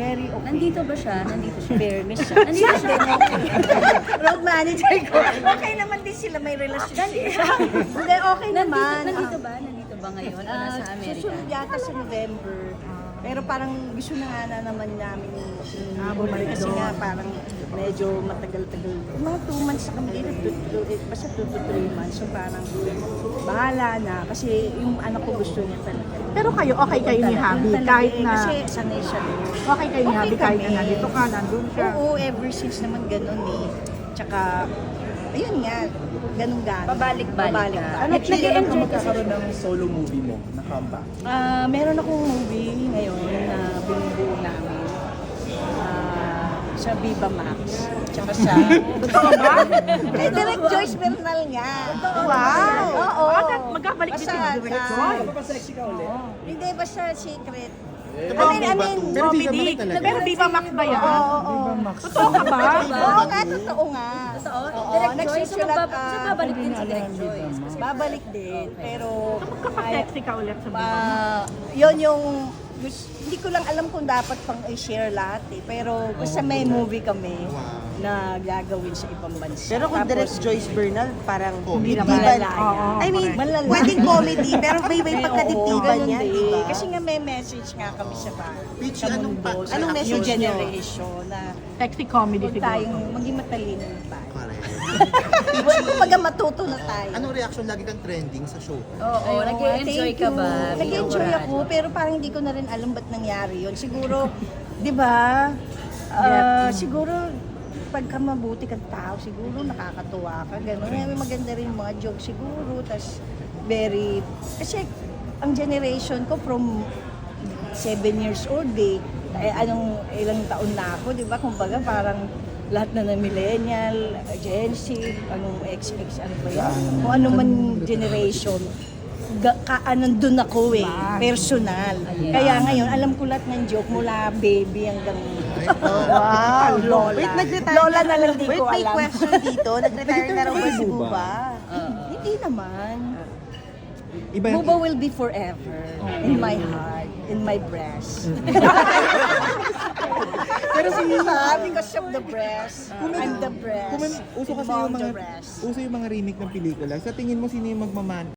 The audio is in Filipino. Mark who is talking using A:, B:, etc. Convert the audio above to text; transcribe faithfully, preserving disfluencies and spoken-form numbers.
A: very okay.
B: Nandito ba siya? Nandito siya.
A: Fairness siya.
B: Nandito siya.
A: Road manager ko. Okay naman din sila, may relasyon. Hindi, okay
B: Nandito,
A: naman.
B: nandito ba? Nandito ba ngayon? O
A: Ah,
B: nasa Amerika?
A: susunod yata sa November. Pero parang gusto na nga na naman namin ah, bumalik kasi nga parang medyo matagal-tagal. Mga two months na kami dito, two- two- eh, basta two to three months. So parang bahala na kasi yung anak ko gusto niya talaga.
C: Pero kayo, okay kayo ni Habi
A: Talaga
C: kahit
A: eh,
C: na
A: Kasi sanay siya doon.
C: okay kayo ni
A: Okay
C: Habi kahit na
A: kami.
C: nandito ka, nandun siya.
A: Oo, ever since naman ganun eh. Tsaka, ayun nga, ganun gano'n.
B: Pabalik-balik ka.
A: Ano,
D: Actually, kailan ka magkakaroon ng solo movie mo na comeback?
A: Ah, meron akong movie ngayon na binubuo namin. Ah, sa Viva Max. Tsaka sa...
C: Totoo ba?
A: Kay Direct Joyce Bernal nga.
C: Wow!
A: Oo.
C: Ah, magkabalik din si
A: Basta,
C: Direct
A: ah,
C: Joyce.
D: Papasexy ka ulit.
A: Hindi, basta secret.
D: Eh,
A: I mean, I mean,
D: Pero Viva
C: Comedy.
D: Max talaga.
C: Pero Viva Max ba yan?
A: Oo, oo.
D: Viva Max.
C: Totoo ka ba?
A: Oo nga, totoo nga.
B: Totoo?
A: Oo,
B: Direct Joyce? So,
A: nagsusulat,
B: magbab-
A: ah,
B: so, babalik din si Direct Joyce. Kasi
A: Babalik din, pero...
C: Kapag-sexy ka ulit sa Viva Max.
A: Ah, yun yung gus- hindi ko lang alam kung dapat pang i-share lahat eh. Pero basta may movie kami na gagawin sa ibang bansa.
E: Pero kung
A: Tapos,
E: direct Joyce Bernal, parang
A: hindi
E: hindi
A: naman
E: ba?
A: malaya.
C: Oo,
E: I mean,
A: Malala.
E: pwedeng comedy, pero may may
A: Oo,
E: pagkadiktiban
A: ganun
E: niya,
A: din.
E: di ba?
A: Kasi nga may message nga kami sa ba
D: Peach,
A: sa
D: anong
A: mundo,
D: pa-
A: sa
E: anong
A: new
E: message niyo?
A: generation na
C: Sexy comedy
A: huwag
C: siguro.
A: tayong maging matalino tayo.
D: Correct.
A: Huwag kumbaga matuto na tayo.
D: Anong reaction lagi kang trending sa show?
B: Oo,
A: Ayun,
B: nag-enjoy
A: thank
B: ka
A: you.
B: ba?
A: Nag-enjoy
B: bilang
A: ako, pero parang hindi ko na rin alam ba't nangyari yun. Siguro, di ba, ah, siguro, pagka mabuti kang tao, siguro nakakatuwa ka, gano'n. May maganda rin yung mga jokes siguro, tas very, kasi ang generation ko from seven years old eh, eh anong ilang taon na ako, di ba? Kumbaga parang lahat na ng millennial, Gen Z, anong X X, ano ba yan? Kung ano man generation, ga, ka, nandun ako eh, personal. Kaya ngayon, alam ko lahat ng joke mula baby hanggang wow, lola.
E: Wait, nag-retire
A: Lola na lang di
E: Wait,
A: ko
E: may
A: alam.
E: question dito. Nag-retire na raw ba si Buba?
A: Hindi naman.
D: Iba
A: Buba will be forever in my heart, in my breast. Pero because of the breast, I'm the breast.
D: Kung may, uso kasi yung
A: involved
D: mga
A: the breast.
D: uso yung mga remake ng pelikula. Sa tingin mo sino yung magmaman